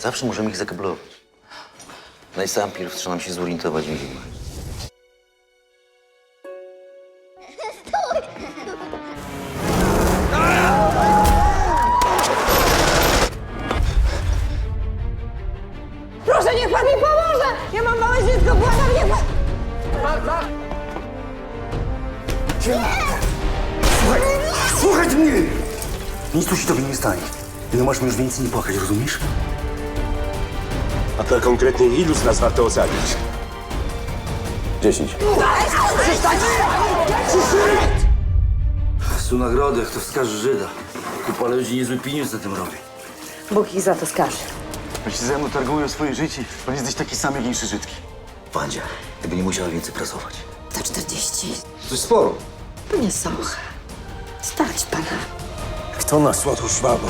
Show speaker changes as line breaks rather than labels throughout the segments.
Zawsze możemy ich zakablować. Najpierw trzeba nam się zorientować w nich.
Proszę, niech pan mi pomoże! Ja mam małe dziecko, błagam, niech pan...
Słuchaj mnie! Nic tu się tobie nie stanie. Nie masz już więcej nie płakać, rozumiesz?
A to konkretnie ilu z nas warto ocalić?
10. Są nagrody, kto wskaże Żyda. Kupa ludzi niezły pieniądz na tym robi.
Bóg ich za to skaże.
Bo się ze mną targują swoje życie, bo jesteś taki sam jak inne Żydki.
Wandzia, gdyby nie musiała więcej pracować.
Za 40.
To jest sporo.
Nie socha. Stać pana.
Kto nas łatł szwabą?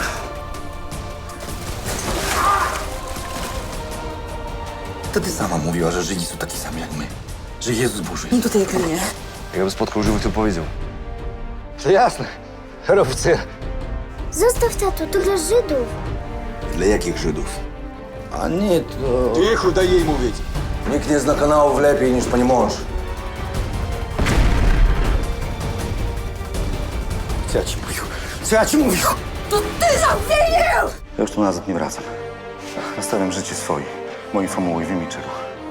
To ty sama mówiła, że Żydzi są taki sami jak my. Że Jezus Boży jest.
Tutaj jak mnie.
Jakbym spotkał żywych, to powiedział. To jasne. Oficer.
Zostaw tato, to dla Żydów.
Dla jakich Żydów?
A nie, to...
Cicho, daj jej mówić.
Nikt nie zna kanałów lepiej niż pani mąż. Co ja ci mówił? Co ja ci mówił?
To ty zawinił!
Ja już tu nazad nie wracam. Nastawiam życie swoje. Moi formuły wiem czego.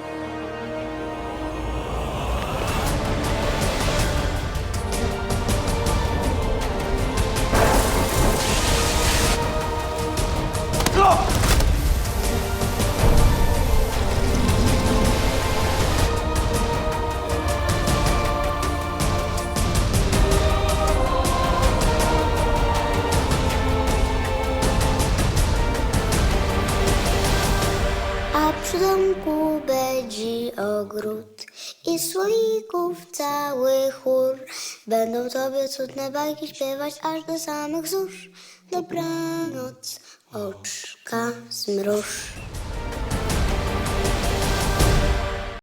A przy domku będzie ogród i słoików cały chór. Będą tobie cudne bajki śpiewać aż do samych zórz. Dobranoc, oczka zmruż.